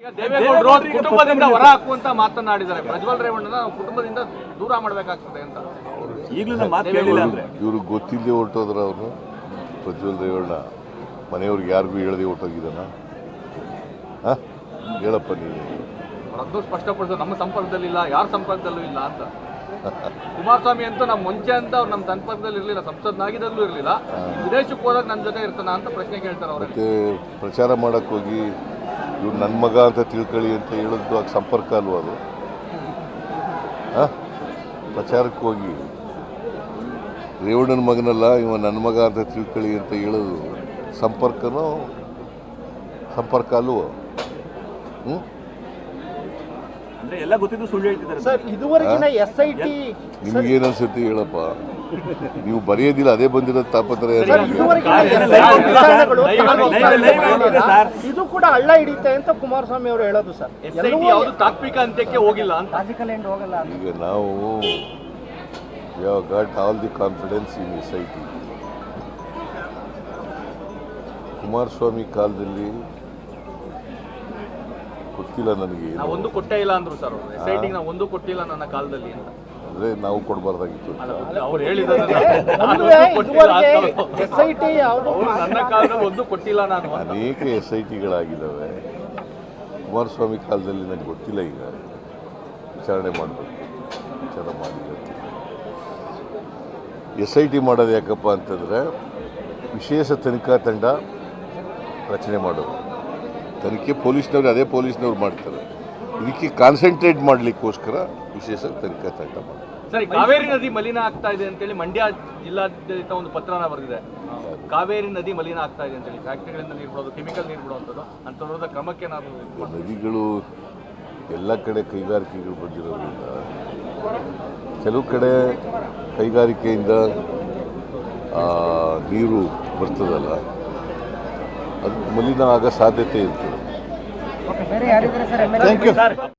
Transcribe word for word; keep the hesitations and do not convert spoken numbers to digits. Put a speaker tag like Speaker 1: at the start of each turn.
Speaker 1: ದೇವೇಗೌಡರು ಕುಟುಂಬದಿಂದ ಹೊರ ಹಾಕುವಂತ ಮಾತನಾಡಿದ್ದಾರೆ. ಪ್ರಜ್ವಲ್ ರೇವಣ್ಣನ ಕುಟುಂಬದಿಂದ ದೂರ ಮಾಡಬೇಕಾಗ್ತದೆ ಅಂತ.
Speaker 2: ಈಗಲೂ ಮಾತು ಕೇಳಿಲ್ಲ ಅಂದ್ರೆ
Speaker 3: ಇವರು ಗೊತ್ತಿಲ್ಲದೆ ಹೊರಟೋದ್ರ ಅವರು. ಪ್ರಜ್ವಲ್ ರೇವಣ್ಣ ಮನೆಯವ್ರಿಗೆ ಯಾರಿಗೂ ಹೇಳದೆ ಹೊರಟೋಗಿದ್ದಾನ? ಹಾಂ ಹೇಳಪ್ಪ ನೀನು.
Speaker 1: ಅದನ್ನು ಸ್ಪಷ್ಟಪಡಿಸೋದು ನಮ್ಮ ಸಂಪರ್ಕದಲ್ಲಿಲ್ಲ, ಯಾರ ಸಂಪರ್ಕದಲ್ಲೂ ಇಲ್ಲ ಅಂತ. ಕುಮಾರಸ್ವಾಮಿ ಅಂತೂ ನಮ್ಮ ಮುಂಚೆ ಅಂತ ಅವ್ರು ನಮ್ಮ ಸಂಪರ್ಕದಲ್ಲಿ ಇರಲಿಲ್ಲ, ಸಂಸದನಾಗಿದ್ದಾಗಲೂ ಇರಲಿಲ್ಲ. ವಿದೇಶಕ್ಕೆ ಹೋದಾಗ ನನ್ನ ಜೊತೆ ಇರ್ತಾನ ಅಂತ ಪ್ರಶ್ನೆ ಕೇಳ್ತಾರೆ ಅವರು.
Speaker 3: ಮತ್ತೆ ಪ್ರಚಾರ ಮಾಡಕ್ಕೆ ಹೋಗಿ ಇವ್ರು ನನ್ನ ಮಗ ಅಂತ ತಿಳ್ಕೊಳ್ಳಿ ಅಂತ ಹೇಳೋದು ಆಗ ಸಂಪರ್ಕ ಅಲ್ವ ಅದು? ಹಾಂ ಪ್ರಚಾರಕ್ಕೆ ಹೋಗಿ ರೇವಣ್ಣನ ಮಗನಲ್ಲ ಇವ ನನ್ನ ಮಗ ಅಂತ ತಿಳ್ಕೊಳ್ಳಿ ಅಂತ ಹೇಳೋದು ಸಂಪರ್ಕನೋ ಸಂಪರ್ಕ ಅಲ್ವೋ? ಹ್ಞೂ
Speaker 2: ಅಂದ್ರೆ ಎಲ್ಲ ಗೊತ್ತಿದ್ದು ಸುಳ್ಳು ಹೇಳ್ತಿದ್ದಾರೆ
Speaker 4: ಸರ್. ಇದುವರೆಗಿನ ಎಸ್ ಐ ಟಿ
Speaker 3: ನಿಮ್ಗೇನು ಅನ್ಸುತ್ತೆ ಹೇಳಪ್ಪ? ನೀವು ಬರೆಯೋದಿಲ್ಲ, ಅದೇ ಬಂದಿರೋದು ತಾಪತ್ರೆ.
Speaker 4: ಇದು ಕೂಡ ಹಳ್ಳ ಹಿಡಿತೆ ಅಂತ ಕುಮಾರಸ್ವಾಮಿ ಅವರು ಹೇಳೋದು ಸರ್.
Speaker 1: ಯಾವುದು ತಾತ್ವಿಕ ಅಂತ್ಯಕ್ಕೆ ಹೋಗಿಲ್ಲ ಅಂತ.
Speaker 3: ಈಗ ನಾವು ಯಾವ got all the confidence in S I T. Kumaraswamy ಕಾಲದಲ್ಲಿ ಗೊತ್ತಿಲ್ಲ ನನಗೆ,
Speaker 1: ನಾವು ಒಂದು ಕೊಟ್ಟೇ ಇಲ್ಲ ಅಂದ್ರು ಸರ್ ಅವರು. ಎಸ್ ಐ ಟಿ ನಾವು ಒಂದು ಕೊಟ್ಟಿಲ್ಲ ನನ್ನ ಕಾಲದಲ್ಲಿ ಅಂತ.
Speaker 3: ಅಂದರೆ ನಾವು ಕೊಡಬಾರ್ದಾಗಿತ್ತು.
Speaker 1: ಅವ್ರು ಹೇಳಿದ್ದಾರೆ
Speaker 4: ಎಸ್ ಐ ಟಿ ಯಾವುದು
Speaker 1: ನನ್ನ ಕಾಲದಲ್ಲಿ ಒಂದು ಕೊಟ್ಟಿಲ್ಲ ನಾನು.
Speaker 3: ಅನೇಕ ಎಸ್ ಐ ಟಿಗಳಾಗಿದ್ದಾವೆ. ಕುಮಾರಸ್ವಾಮಿ ಕಾಲದಲ್ಲಿ ನನಗೆ ಗೊತ್ತಿಲ್ಲ. ಈಗ ವಿಚಾರಣೆ ಮಾಡಬೇಕು, ವಿಚಾರ ಮಾಡಿಲ್ಲ. ಎಸ್ ಐ ಟಿ ಮಾಡೋದು ಯಾಕಪ್ಪ ಅಂತಂದರೆ ವಿಶೇಷ ತನಿಖಾ ತಂಡ ರಚನೆ ಮಾಡೋದು. ತನಿಖೆ ಪೊಲೀಸ್ನವ್ರು ಅದೇ ಪೊಲೀಸ್ನವ್ರು ಮಾಡ್ತಾರೆ. ಇದಕ್ಕೆ ಕಾನ್ಸಂಟ್ರೇಟ್ ಮಾಡಲಿಕ್ಕೋಸ್ಕರ ವಿಶೇಷ ತನಿಖಾ ತಂಡ ಮಾಡಿ.
Speaker 1: ಸರಿ, ಕಾವೇರಿ ನದಿ ಮಲಿನ ಆಗ್ತಾ ಇದೆ ಅಂತೇಳಿ ಮಂಡ್ಯ ಜಿಲ್ಲಾಡಳಿತ ಒಂದು ಪತ್ರನ ಬರೆದಿದೆ. ಕಾವೇರಿ ನದಿ ಮಲಿನ ಆಗ್ತಾ ಇದೆ ಅಂತೇಳಿ ಫ್ಯಾಕ್ಟರಿಗಳಿಂದ ನೀರು ಬಿಡೋದು, ಕೆಮಿಕಲ್ ನೀರು ಬಿಡುವಂಥದ್ದು ಅಂಥವ್ರದ ಕ್ರಮಕ್ಕೆ ನಾವು
Speaker 3: ನದಿಗಳು ಎಲ್ಲ ಕಡೆ ಕೈಗಾರಿಕೆಗಳು ಬಂದಿರೋದ್ರಿಂದ ಕೆಲವು ಕಡೆ ಕೈಗಾರಿಕೆಯಿಂದ ನೀರು ಬರ್ತದಲ್ಲ, ಅದು ಮಲಿನ ಆಗೋ ಸಾಧ್ಯತೆ ಇರ್ತದೆ.
Speaker 4: Thank you.